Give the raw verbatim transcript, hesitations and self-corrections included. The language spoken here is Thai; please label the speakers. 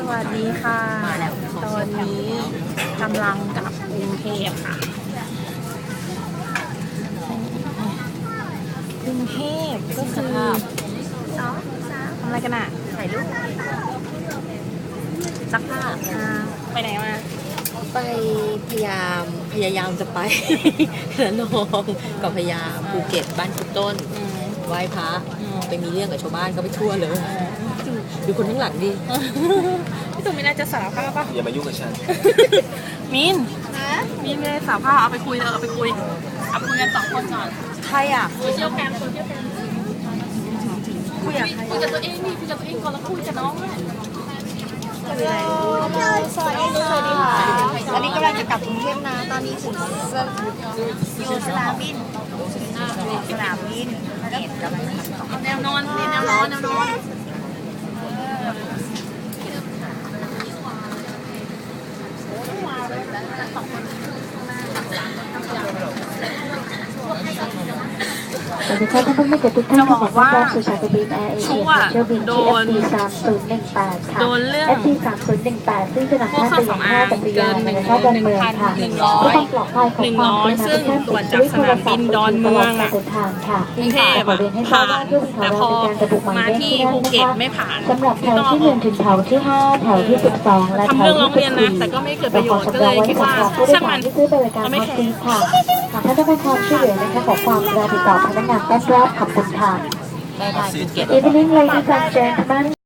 Speaker 1: วัสดีค่ะ ตอนนี้กำลังกลับกรุงเทพค่ะกรุงเทพก็คือสองสามทำอะไรกันอ่ะถ่ายรูปซักผ้าอ่าไปไหนมา
Speaker 2: ไปพยายามพยายามจะไป ระนองกับพยายามภูเก็ตบ้านคุณต้น
Speaker 1: อืม
Speaker 2: ไหว้พระ
Speaker 1: อืม
Speaker 2: ไปมีเรื่องกับชาวบ้านก็ไปทั่วเลยดูคนข้างหลังดิ
Speaker 1: พี่ตู่มินน่าจะสารภาพป่ะ
Speaker 3: อย่ามายุ่งกับฉัน
Speaker 1: มินมินไม่ได้สารภาพเอาไปคุยเออเอาไปคุยเอาไปคุยกันสองคนก่อน
Speaker 2: ใครอ่ะ
Speaker 1: โซเชียลแคมโซเชียลแคมคุยกับใครคุยกับตัวเองนี่คุยกับตัวเองก่อนแล้วคุยกับน้องด้วย
Speaker 2: สวัสดีค่ะสวัสดีค่ะตอนนี้กำลังจะกลับกรุงเทพนะตอนนี้ถึงอยู่สนามบินสนามบินกำลังจะขับต่อ
Speaker 1: แนวนอนนี่แนวนอนแนวนอน
Speaker 4: สวัสดีค่ะท่านผู้มีเกียรติทุกท่านขอต้อนรับสู่สายการบินแอร์เอเชียเที่ยวบิน ที่ เอฟ ดี สามศูนย์หนึ่งแปด ค่ะ
Speaker 1: โดนเรื่อง
Speaker 4: เอฟ ดี สามศูนย์หนึ่งแปดซึ่งจะนำท่านไปยังท่าจักรยานในท่าดอนเมืองค่ะ
Speaker 1: หนึ่ง
Speaker 4: เพื่
Speaker 1: ร้
Speaker 4: อ
Speaker 1: อย
Speaker 4: ความปลอดภัยของความเป็น
Speaker 1: ซึ่ง
Speaker 4: ท่าน
Speaker 1: ตรวจจากสนามบินดอนเมืองอะ
Speaker 4: ตลดการเดินทางค่ะ
Speaker 1: กรุงเทพ
Speaker 4: ขอ
Speaker 1: อะ
Speaker 4: เรียนให้ทรา
Speaker 1: ผ่า
Speaker 4: บว่าน เที่ยวบินของ
Speaker 1: แต่พ
Speaker 4: เรา
Speaker 1: อ
Speaker 4: เป็นการระบุหมาย
Speaker 1: มา
Speaker 4: เลข
Speaker 1: ที่
Speaker 4: ที่นั่ง
Speaker 1: ภู
Speaker 4: นะ
Speaker 1: เก็ต
Speaker 4: คะ
Speaker 1: ไม่ผ่าน
Speaker 4: สำหรับแถวที่หนึ่งถึงแถวที่ห้าแถวที่สิบสองและ
Speaker 1: ทำ
Speaker 4: แถ
Speaker 1: เรื่
Speaker 4: ว
Speaker 1: องร้อง
Speaker 4: ที่สิ บสี่
Speaker 1: เรียนนะแต่ก็ไม่เกิดประโยชน์ก็เลยคิดว่า
Speaker 4: ผู้โดย
Speaker 1: ช่าง
Speaker 4: สา
Speaker 1: มั
Speaker 4: ร
Speaker 1: น
Speaker 4: ที่ซื้อบริการฮอตซีทค่ะหากท่านต้องการความช่วยเหลือนะคะขอความกรุณาติดต่อพนักงานต้อนรับขอบคุณค่ะ
Speaker 2: ได้ได้ภูเก็ต
Speaker 4: Evening, ladies and gentlemen.